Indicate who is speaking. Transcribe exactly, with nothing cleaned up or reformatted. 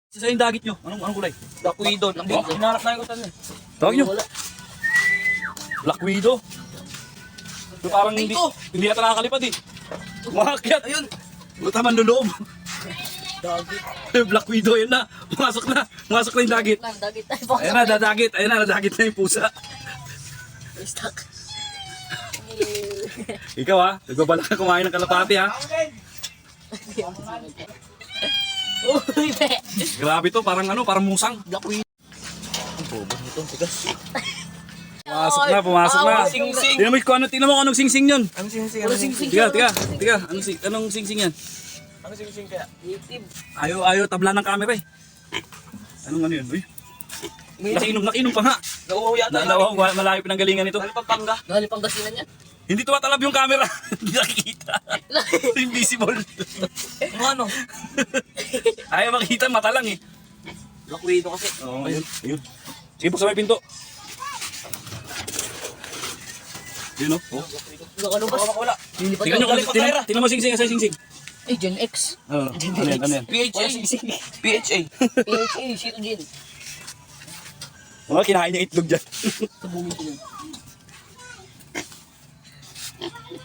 Speaker 1: Isa yung dagit nyo. Anong, anong kulay?
Speaker 2: Black Widow.
Speaker 1: Oh.
Speaker 2: Hinarap na ko tanong.
Speaker 1: Tawag nyo.
Speaker 2: Wala.
Speaker 1: Black Widow. So, parang hindi, hindi yata nakakalipad eh. Umakyat.
Speaker 2: Ayun.
Speaker 1: Buta man luloob.
Speaker 2: Dagit.
Speaker 1: Black Widow, yun na. Pumasok na. Pumasok na yung dagit.
Speaker 3: Lang, dagit tayo.
Speaker 1: Ayan na, dadagit. Ayan na, dadagit na yung pusa.
Speaker 3: Stuck.
Speaker 1: Ikaw ha, nagbabala ka kumain ng kalapati ha.
Speaker 3: Uy, be.
Speaker 1: Grabe to, parang ano, parang musang.
Speaker 2: Black Widow. Ang bobo nito. Tigas.
Speaker 1: Pumasok na, pumasok na.
Speaker 2: Sing-sing.
Speaker 1: Tingnan mo kung ano, tingnan mo kung anong sing-sing yun.
Speaker 2: Ano sing-sing?
Speaker 3: Ano
Speaker 2: Ano
Speaker 3: sing-sing?
Speaker 1: Tiga, tiga, tiga. Anong, sing, anong sing-sing yan?
Speaker 2: Ano sing-sing kaya?
Speaker 3: Native.
Speaker 1: Ayaw, ayaw tabla ng camera eh. Anong ano yun? Uy, nakinom, nakinom pa nga.
Speaker 2: Nauuhaw yata.
Speaker 1: Nalawa, malayo pinanggalingan nito.
Speaker 2: Ano Pampanga?
Speaker 3: Galing Pangasinan yan.
Speaker 1: Hindi tumatalab yung camera. Hindi nakikita. Invisible.
Speaker 2: Ano ano?
Speaker 1: Ayaw makita, mata lang eh.
Speaker 2: Black Widow kasi.
Speaker 1: Oo, ayun, ayun. Sige, buksan mo yung pinto. Yun o. Oh.
Speaker 3: Nakalubas.
Speaker 2: Baka wala.
Speaker 3: Lilipad
Speaker 1: Tingnan nyo,
Speaker 3: ako.
Speaker 1: kung- tingnan tingnan mo sing-sing, asa yung sing-sing.
Speaker 3: Eh, Gen X.
Speaker 1: Oo, ano yan, ano yan?
Speaker 2: P H A. P H A.
Speaker 3: P H A, sino Gen?
Speaker 1: Mga kinain niya itlog dyan.
Speaker 3: Sabungin ko yun.